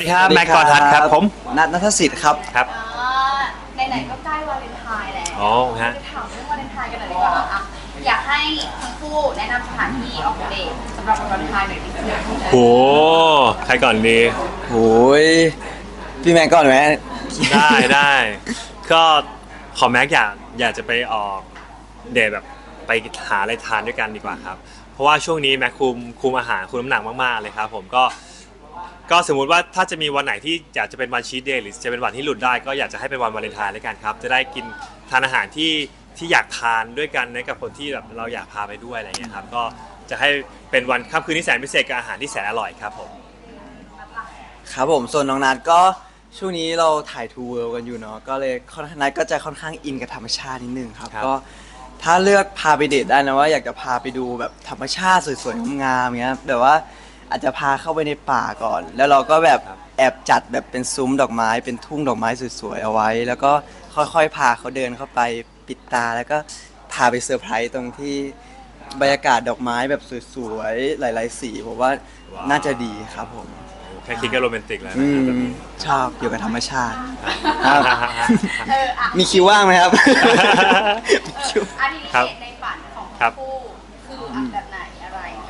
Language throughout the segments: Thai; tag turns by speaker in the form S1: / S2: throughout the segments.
S1: ดีครับแม็กกอทัศน์ครับผม
S2: ณัฐสิทธิ์ครับ
S1: ครับ
S3: ไหนๆก็ใกล้วาเลนไทน์แล้ว
S1: อ๋อฮะ
S3: จะถามเรื่องวาเลนไทน์กันหน่อยดีกว่าอ่ะอยากให้ทั้งคู่แนะนำสถานที่ออกเดทสำหรับวันวาเลนไทน์หน่อยดีกว่า
S1: โหใครก่อนดี
S2: โอ้ยพี่แม็กก่อนไหม
S1: ได้ก็ขอแม็กอยากจะไปออกเดทแบบไปหาอะไรทานด้วยกันดีกว่าครับเพราะว่าช่วงนี้แม็กคุมอาหารคุมน้ำหนักมากๆเลยครับผมก็สมมุติว่าถ้าจะมีวันไหนที่อยากจะเป็นวันชีทเดย์หรือจะเป็นวันที่หลุดได้ก็อยากจะให้เป็นวันวาเลนไทน์ด้วยกันครับจะได้กินทานอาหารที่อยากทานด้วยกันกับคนที่แบบเราอยากพาไปด้วยอะไรเงี้ยครับก็จะให้เป็นวันค่ำคืนที่แสนพิเศษกับอาหารที่แสนอร่อยครับผม
S2: ครับผมส่วนน้องนัทก็ช่วงนี้เราถ่ายทูเวิลด์กันอยู่เนาะก็เลยนัทก็จะค่อนข้างอินกับธรรมชาตินิดนึงครับก็ถ้าเลือกพาไปเดทได้นะว่าอยากจะพาไปดูแบบธรรมชาติสวยๆงามๆเงี้ยแบบว่าอาจจะพาเข้าไปในป่าก่อนแล้วเราก็แบบแอบจัดแบบเป็นซุ้มดอกไม้เป็นทุ่งดอกไม้สวยๆเอาไว้แล้วก็ค่อยๆพาเขาเดินเข้าไปปิดตาแล้วก็พาไปเซอร์ไพรส์ตรงที่บรรยากาศดอกไม้แบบสวยๆหลายๆสีผมว่าน่าจะดีครับผม
S1: แค่คิดก็โรแมนติกแล้วนะครับแบบนี้
S2: ชอบอยู่กับธรรมชาติมี
S3: มี
S2: คิวว่างไหมครับ
S3: อันนี้ในฝันของทั้งคู่คือแบบไหนอะไรไง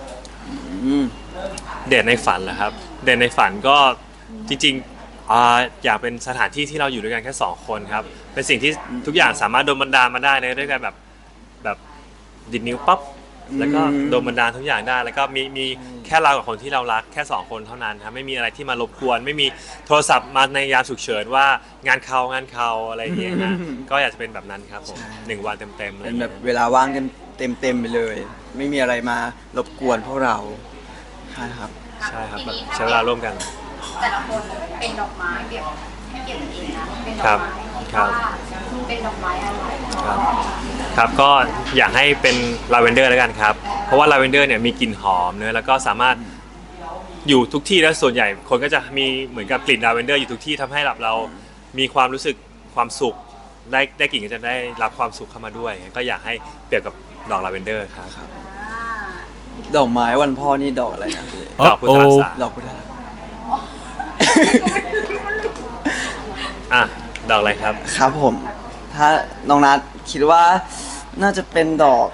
S1: เดทในฝันเหรอครับเดทในฝันก็จริงๆอยากเป็นสถานที่ที่เราอยู่ด้วยกันแค่2คนครับเป็นสิ่งที่ทุกอย่างสามารถโดนบันดาลมาได้ด้วยกันแบบดิดนิ้วปั๊บแล้วก็โดนบันดาลทุกอย่างได้แล้วก็มีแค่เรากับคนที่เรารักแค่2คนเท่านั้นครับไม่มีอะไรที่มารบกวนไม่มีโทรศัพท์มาในยามฉุกเฉินว่างานเขาอะไรอย่างเงี้ยนะก็อยากจะเป็นแบบนั้นครับผม1 วันเต็มๆเลย
S2: เป็นแบบเวลาว่างกันเต็มไปเลยไม่มีอะไรมารบกวนพวกเราใช่ครับ
S1: แบบใช้เวลาร่วมกัน
S3: แต่ละคนเป็นดอกไม้เปรียบให้เปรียบเองนะเป็นดอกไม้เป็นดอกไม้อะไร
S1: ครับก็อยากให้เป็นลาเวนเดอร์แล้วกันครับเพราะว่าลาเวนเดอร์เนี่ยมีกลิ่นหอมเนอะแล้วก็สามารถอยู่ทุกที่แล้วส่วนใหญ่คนก็จะมีเหมือนกับกลิ่นลาเวนเดอร์อยู่ทุกที่ทำให้เรามีความรู้สึกความสุขได้กลิ่นก็จะได้รับความสุขเข้ามาด้วยก็อยากให้เปรียบกับดอกลาเวนเดอร์ครับ
S2: ดอกไม้วันพ่อนี่ดอกอะไรนะพี่
S1: ดอกพุทธรักษา
S2: ดอกพุทธรักษา
S1: ดอกอะไรครับ
S2: ครับผมถ้าน้องนัทคิดว่าน่าจะเป็นดอก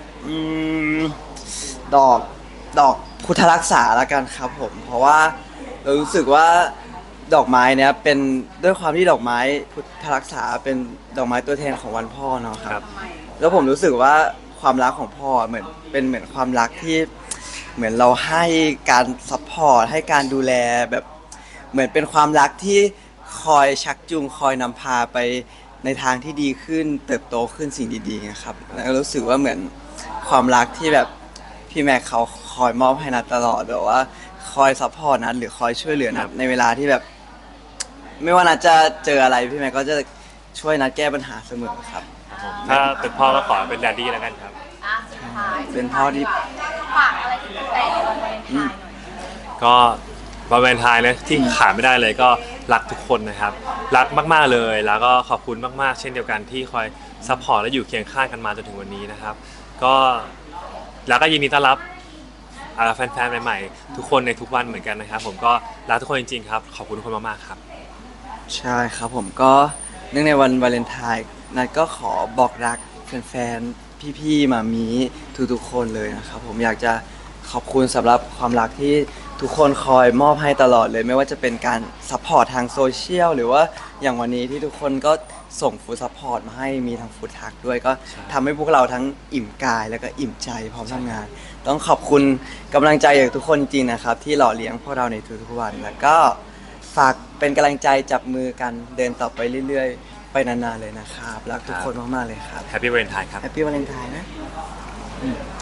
S2: ดอกพุทธรักษาละกันครับผมเพราะว่าเรารู้สึกว่าดอกไม้เนี้ยเป็นด้วยความที่ดอกไม้พุทธรักษาเป็นดอกไม้ตัวแทนของวันพ่อเนาะครับแล้วผมรู้สึกว่าความรักของพ่อเหมือนความรักที่เหมือนเราให้การซัพพอร์ตให้การดูแลแบบเหมือนเป็นความรักที่คอยชักจูงคอยนำพาไปในทางที่ดีขึ้นเติบโตขึ้นสิ่งดีๆนะครับแล้วรู้สึกว่าเหมือนความรักที่แบบพี่แม็กเขาคอยมอบให้นัทตลอดแบบว่าคอยซัพพอร์ตนัทหรือคอยช่วยเหลือนัทในเวลาที่แบบไม่ว่านัทจะเจออะไรพี่แม็กก็จะช่วยนัทแก้ปัญหาเสมอครับ
S1: ถ้าเป็นพ่อก็ขอเป็นแดดดี้แล้วกันครับ
S2: เป็นพ่อที่
S3: ฝากอะไรถึงแต่วันวาเลนไทน์หน่อย
S1: ก็วันวาเลนไทน์นะที่ขาดไม่ได้เลยก็รักทุกคนนะครับรักมากๆเลยแล้วก็ขอบคุณมากๆเช่นเดียวกันที่คอยซัพพอร์ตและอยู่เคียงข้างกันมาจนถึงวันนี้นะครับก็แล้วก็ยินดีต้อนรับแฟนๆใหม่ๆทุกคนในทุกวันเหมือนกันนะครับผมก็รักทุกคนจริงๆครับขอบคุณทุกคนมากๆครับ
S2: ใช่ครับผมก็เนื่องในวันวาเลนไทน์นัทก็ขอบอกรักแฟนๆพี่ๆมามีทุกๆคนเลยนะครับผมอยากจะขอบคุณสำหรับความรักที่ทุกคนคอยมอบให้ตลอดเลยไม่ว่าจะเป็นการซัพพอร์ตทางโซเชียลหรือว่าอย่างวันนี้ที่ทุกคนก็ส่งฟู้ดซัพพอร์ตมาให้มีทางฟู้ดทักด้วยก็ทำให้พวกเราทั้งอิ่มกายแล้วก็อิ่มใจพร้อมทำงานต้องขอบคุณกำลังใจจากทุกคนจริงนะครับที่หล่อเลี้ยงพวกเราในทุกๆวันแล้วก็ฝากเป็นกำลังใจจับมือกันเดินต่อไปเรื่อยๆไปนานๆเลยนะครับรักทุกคนมากๆเลยครับ
S1: แฮปปี้วาเลนไทน์ครับ
S2: แฮปปี้วาเลนไทน์นะ